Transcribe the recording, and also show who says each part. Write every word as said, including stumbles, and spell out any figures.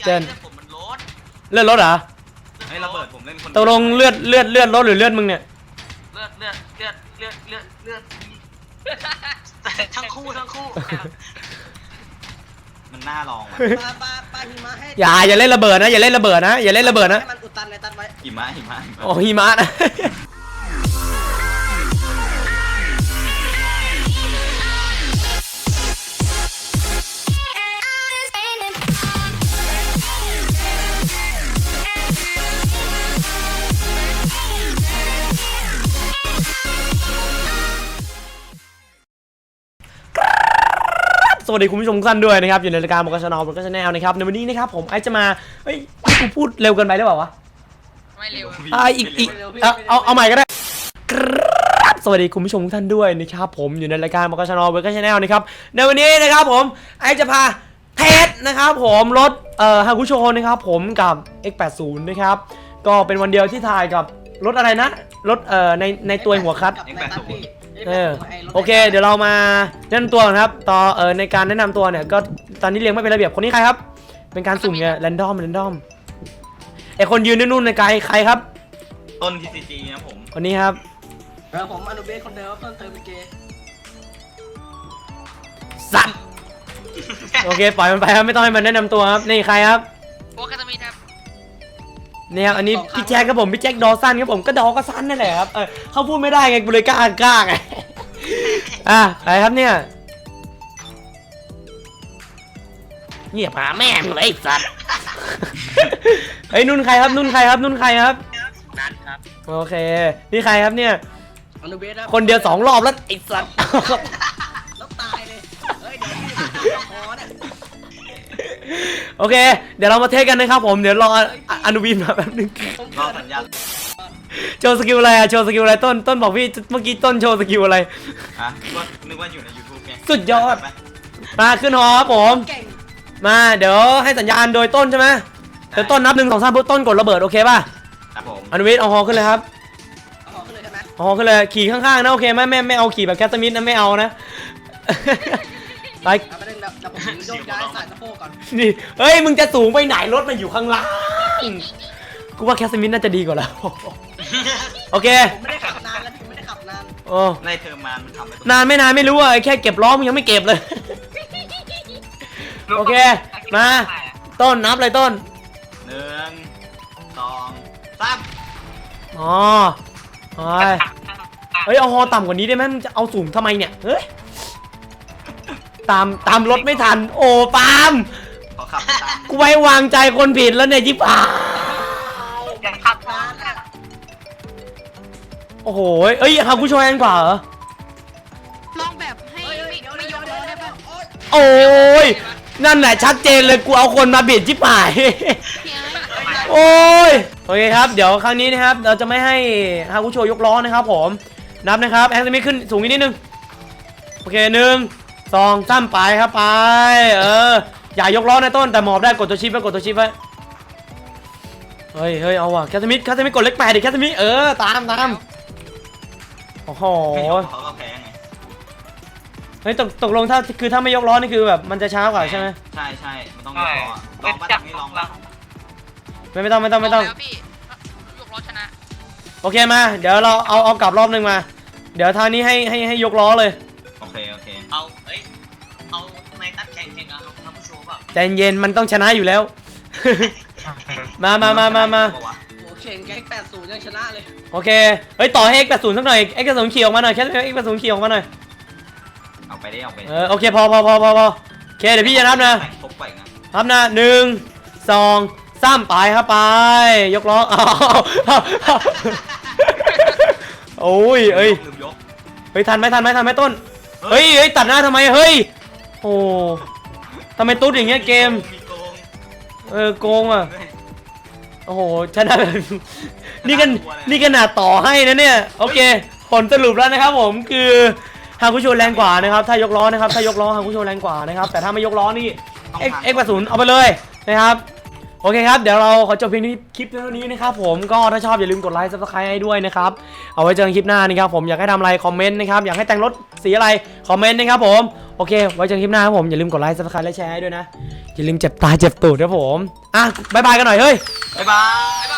Speaker 1: เจน
Speaker 2: ผมมันลด
Speaker 1: เลือดรถเหรอ
Speaker 3: ไอ้ระเบิดผมเล่นคน
Speaker 1: ตกลงเลือดเลือดเลือดรถหรือเลือดมึงเนี่ย
Speaker 2: เลือดเลือดเลือดเลือดเลือดเลือดทั้งคู่ทั้งคู่
Speaker 3: มันน่าลอง
Speaker 4: ปลาปลาปลาหิมะให้
Speaker 1: อย่าอย่าเล่นระเบิดนะอย่าเล่นระเบิดนะอย่าเล่นระเบิดนะ
Speaker 4: ให้มันอุดตันเลยตันไว้
Speaker 3: หิมะหิมะ
Speaker 1: โอ้หิมะนะสวัสดีคุณผู้ชมทุกท่านด้วยนะครับอยู่ในรายการบอกกชนอบอกกชแนลนะครับในวันนี้นะครับผมไอจะมาเฮ้ยกูพูดเร็วเกินไปหรือเปล่าวะ
Speaker 2: ไม่เร็ว
Speaker 1: อ่าอีกอีกเอาเอาเอาใหม่ก็ได้ครับสวัสดีคุณผู้ชมทุกท่านด้วยนะครับผมอยู่ในรายการบอกกชนอบอกกชแนลนะครับในวันนี้นะครับผมไอจะพาเทสนะครับผมรถเอ่อฮากุโชนะครับผมกับ เอ็กซ์ แปดสิบ นะครับก็เป็นวันเดียวที่ถ่ายกับรถอะไรนะรถเอ่อในในตัวหัวคัทเออโอเคเดี๋ยวเรามาแนะนำตัวครับต่อเออในการแนะนำตัวเนี่ยก็ตอนนี้เรียงไม่เป็นระเบียบคนนี้ใครครับเป็นการสุ่มเนี่ยแรนดอมแรนดอมไอคนยืนนู่นในไกลใครครับ
Speaker 3: ต้นทีซีจีนะผม
Speaker 1: คนนี้ครับ
Speaker 4: เออผมอนุเบสคนเดิมเพิ่มเติมเป็นเกย์
Speaker 1: สัตว์โอเคปล่อยมันไปครับไม่ต้องให้มันแนะนำตัวครับนี่ใครครับ
Speaker 2: โอ้คาตามีครับ
Speaker 1: นี่ครับอันนี้พี่แจ็คครับผมพี่แจ็คดอสันครับผมก็ดอก็สั้นนั่นแหละครับเออเขาพูดไม่ได้ไงกูเลยกล้ากล้าไงอ่ะใครครับเนี่ยเงียบหาแม่งเลยสัตว์เฮ้ยนุ่นใครครับนุ่นใครครับนุ่นใครครับ
Speaker 2: นัทครับ
Speaker 1: โอเคนี่ใครครับเนี่ย
Speaker 4: อนุเบสครับ
Speaker 1: คนเดียวสองรอบแล้วไอ้สัตว์
Speaker 4: แล้วตายเลยเฮ้ยเดี๋ยวพี่จะพอเนี่ย
Speaker 1: โอเคเดี๋ยวเรามาเทสกันนะครับผมเดี๋ยวรออนุวินมาแป๊บนึง
Speaker 3: รอสัญญาณ
Speaker 1: โชว์สกิลอะไรอะโชว์สกิลอะไรต้นต้นบอกพี่เมื่อกี้ต้นโชว์สกิลอะไร
Speaker 3: อ่ะก็นึกว่าอยู่ใน ยูทูบ ไง
Speaker 1: สุดยอดมาขึ้นหอครับผมมาเดี๋ยวให้สัญญาณโดยต้นใช่ไหมเดี๋ยวต้นนับหนึ่งสองสามปุ๊บต้นกดระเบิดโอเคป่ะ
Speaker 3: ครับผม
Speaker 1: อนุวินเอาหอขึ้นเลยครับ
Speaker 4: เอาหอขึ้นเลยใช่ไหม
Speaker 1: หอขึ้นเลยขี่ข้างๆนะโอเคไหมไม่ไม่เอาขี่แบบแคสมิธนะไม่เอานะไป
Speaker 4: เอาไปเล่นดับดับผมโยกย้ายสายสะโพกก่อน
Speaker 1: นี่เฮ้ยมึงจะสูงไปไหนรถมันอยู่ข้างล่างกูว่าแคสมิธน่าจะดีกว่าแล้วโอเค
Speaker 4: ผมไม่ได้ขับนานแล้วพี่ไม่ได้ขับนาน
Speaker 1: โอ้
Speaker 3: ในเทอร์มานมันทำไป
Speaker 1: นานไม่นานไม่รู้อ่ะแค่เก็บล้อมึงยังไม่เก็บเลยโอเคมาต้นนับเลยต้น
Speaker 3: หนึ่งสองสาม
Speaker 1: อ๋อเฮ้ยเอาฮอต่ำกว่านี้ได้ไหมมึงจะเอาสูงทำไมเนี่ยเฮ้ยตามตามรถไม่ทันโอ้ปาล์มกูไว้วางใจคนผิดแล้วเนี่ยจิ๊บอ่ะโอ้โหเอ้ยฮากุโชแรงกว่าเหรอ
Speaker 2: ลองแบบให้ไม่ไม่ยกล้อได้ป่ะ
Speaker 1: โอ้ยนั่นแหละชัดเจนเลยกูเอาคนมาเบียดจิ๊บหายโอ้ยโอเคครับเดี๋ยวครั้งนี้นะครับเราจะไม่ให้ฮากุโชยกล้อนะครับผมนับนะครับแอนซ์ไม่ขึ้นสูงนิดนึงโอเคหนึ่งสองสามไปครับไปเอออย่ายกล้อในต้นแต่หมอบได้กดตัวชิปไว้กดตัวชิปไว้เฮ้ยเฮ้ยเอาว่ะแคทมิดแคทมิดกดเล็กแปดดิแคทมิดเออตามตามโอ้โหเฮ้ยตกตกลงถ้าคือถ้าไม่ยกล้อนี่คือแบบมันจะช้ากว่าใช่ไหม
Speaker 3: ใช่ใช่มันต้องยกล้อลองมาจากนี้ลองแล้ว
Speaker 1: ไม่ไม่ต้องไม่ต้องไม่ต้อง
Speaker 2: ยกล้อชนะ
Speaker 1: โอเคมาเดี๋ยวเราเอาเอากลับรอบนึงมาเดี๋ยวทางนี้ให้ให้ให้ยกล้อเลย
Speaker 3: โอเคโอเค
Speaker 2: เอาเอ้ยเอาทำไมตัดแข่งแข่งอะทำผู้โชว์แบบ
Speaker 1: ใจเย็นมันต้องชนะอยู่แล้วมามามามามา
Speaker 4: โอ้เข่งแก๊งแปดศูนย์ยังชนะเลย
Speaker 1: โอเคเฮ้ยต่อให้ เอ็กซ์ แปดสิบ สักหน่อย เอ็กซ์ แปดสิบ ขี่ออกมาหน่อยแค่ เอ็กซ์ แปดสิบ ขี่ออกมาหน่อย
Speaker 3: เอาไปได้เอาไป
Speaker 1: เออโอเคพอพอพอพอพอโอเคเดี๋ยวพี่จะนับนะนับนะหนึ่งสองสามไปครับไปยกล้อโอ้ยเอ้ยเฮ้ยทันไหมทันไหมทันไหมต้นเฮ้ยเฮ้ยตัดหน้าทำไมเฮ้ยโอ้ทำไมตุ๊ดอย่างเงี้ยเกมเออโกงอ่ะโอ้โหชนะนี่กันนี่กันหนาต่อให้นะเนี่ยโอเคผลสรุปแล้วนะครับผมคือฮากุโชแรงกว่านะครับถ้ายกล้อนะครับถ้ายกล้อฮากุโชแรงกว่านะครับแต่ถ้าไม่ยกล้อนี่ เอ็กซ์ แปดสิบ เอาไปเลยนะครับโออเคครับเดี๋ยวเราขอจบเพียงที่คลิปเท่านี้นะครับผมก็ถ้าชอบอย่าลืมกดไลค์ซับสไครต์ให้ด้วยนะครับเอาไว้เจอกันคลิปหน้านะครับผมอยากให้ทำอะไรคอมเมนต์นะครับอยากให้แต่งรถสีอะไรคอมเมนต์นะครับผมโอเคไว้เจอกันคลิปหน้าครับผมอย่าลืมกดไลค์ซับสไครต์และแชร์ให้ด้วยนะอย่าลืมเจ็บตาเจ็บตูดครับผมอ่ะบายบายกันหน่อยเฮ้ย
Speaker 3: บ๊ายบาย